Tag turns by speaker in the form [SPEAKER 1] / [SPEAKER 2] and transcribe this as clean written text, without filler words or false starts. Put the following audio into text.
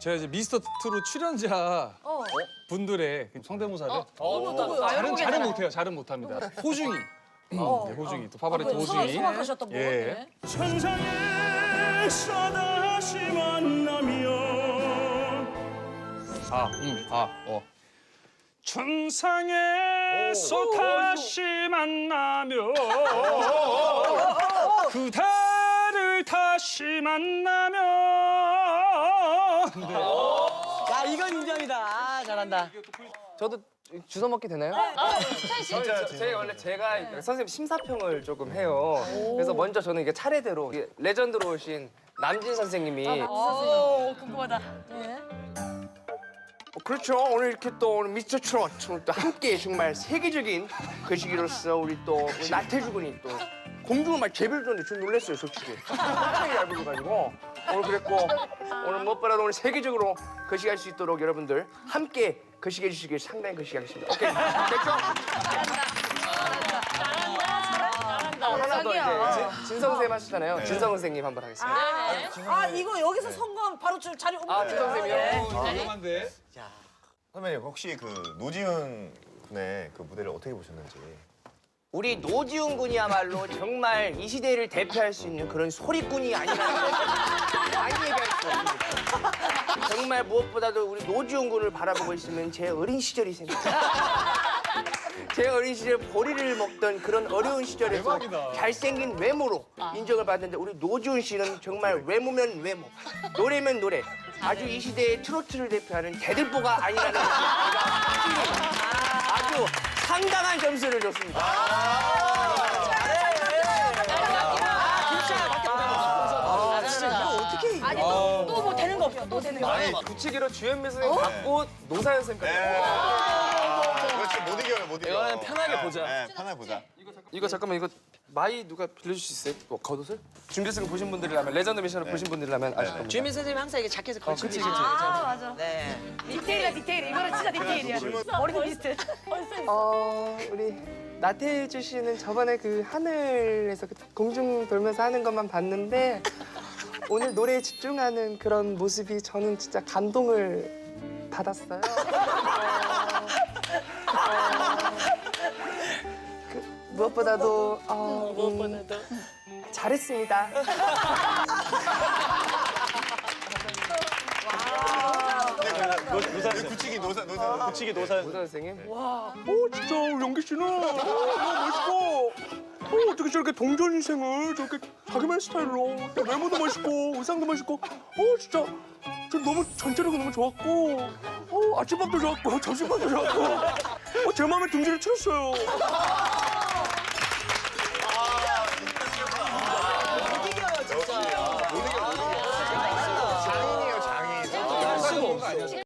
[SPEAKER 1] 제가 이제 미스터 트롯 출연자 분들의 성대모사를 잘은 못해요. 잘은 못합니다. 호중이. 네, 호중이. 또 파바레트 호중이.
[SPEAKER 2] 성악하셨던 분.
[SPEAKER 1] 예.
[SPEAKER 3] 천상에서 다시 만나면 천상에서 다시 만나면 그대를 다시 만나면
[SPEAKER 2] 야, 이건 인정이다. 아, 잘한다.
[SPEAKER 4] 저도 주워 먹게 되나요?
[SPEAKER 5] 진짜 제가 선생님 심사평을 조금 해요. 그래서 먼저 저는 이게 차례대로 이게 레전드로 오신 남진 선생님이
[SPEAKER 2] 궁금하다.
[SPEAKER 5] 그렇죠. 오늘 이렇게 또 오늘 미스터 트롯 또 함께 정말 세계적인 그 시기로서 우리 또 우리 나태주 군이 또 공중을 막 제별줬는데 좀 놀랐어요, 솔직히. 굉장히 잘 불러가지고 오늘 그랬고 오늘 무엇보다도 오늘 세계적으로 거시기할 수 있도록 여러분들 함께 거시기해 주시길 상당히 거시기하겠습니다. 오케이, 됐죠? 하나 더 이제 진성 선생님 하시잖아요. 진성 선생님 한번 하겠습니다.
[SPEAKER 2] 아, 이거 여기서 성공하면 바로 자리 옮겨요.
[SPEAKER 5] 진성 선생님이요.
[SPEAKER 1] 위험한데.
[SPEAKER 6] 선배님 혹시 그 노지훈 군의 그 무대를 어떻게 보셨는지.
[SPEAKER 5] 우리 노지훈 군이야말로 정말 이 시대를 대표할 수 있는 그런 소리꾼이 아니라는 걸 많이 얘기할 수 없습니다. 정말 무엇보다도 우리 노지훈 군을 바라보고 있으면 제 어린 시절이 생각나요. 제 어린 시절 보리를 먹던 그런 어려운 시절에서 잘생긴 외모로 인정을 받는데 우리 노지훈 씨는 정말 외모면 외모, 노래면 노래. 아주 이 시대의 트로트를 대표하는 대들보가 아니라는 제가 아주 상당한 점수를 줬습니다.
[SPEAKER 2] 진짜 이거 어떻게 이겨? 아니, 또 뭐 되는 거 없어. 또 되는 거.
[SPEAKER 6] 아니,
[SPEAKER 5] 붙이기로 주현미 선생님 받고 노사연 선생님까지.
[SPEAKER 6] 이거 진짜 못 이겨요, 못 이겨.
[SPEAKER 5] 이거는 편하게 보자.
[SPEAKER 6] 네, 편하게 보자.
[SPEAKER 5] 이거 잠깐만 이거 마이 누가 빌려줄 수 있어요? 뭐 겉옷을? 준비승을 보신 분들이라면 레전드 미션을 보신 분들이라면 아실 겁니다.
[SPEAKER 2] 주민 선생님 항상 이게 자켓을 걸치고
[SPEAKER 5] 그치.
[SPEAKER 2] 아, 맞아. 네. 디테일이야, 디테일. 이거는 진짜 디테일이야. 머리도 비슷해.
[SPEAKER 4] 우리 나태주 씨는 저번에 그 하늘에서 그 공중 돌면서 하는 것만 봤는데 오늘 노래에 집중하는 그런 모습이 저는 진짜 감동을 받았어요. 무엇보다도 잘했습니다.
[SPEAKER 6] 굳히기 노사.
[SPEAKER 5] 붙이기 노사연 선생님.
[SPEAKER 3] 진짜 연기 씨는 멋있고 어떻게 저렇게 동전 인생을 저렇게 자기만 스타일로 또 외모도 멋있고 의상도 멋있고 진짜 저 너무 전체적으로 너무 좋았고 아침밥도 좋았고 점심밥도 좋았고 제 마음에 둥지를 틀었어요.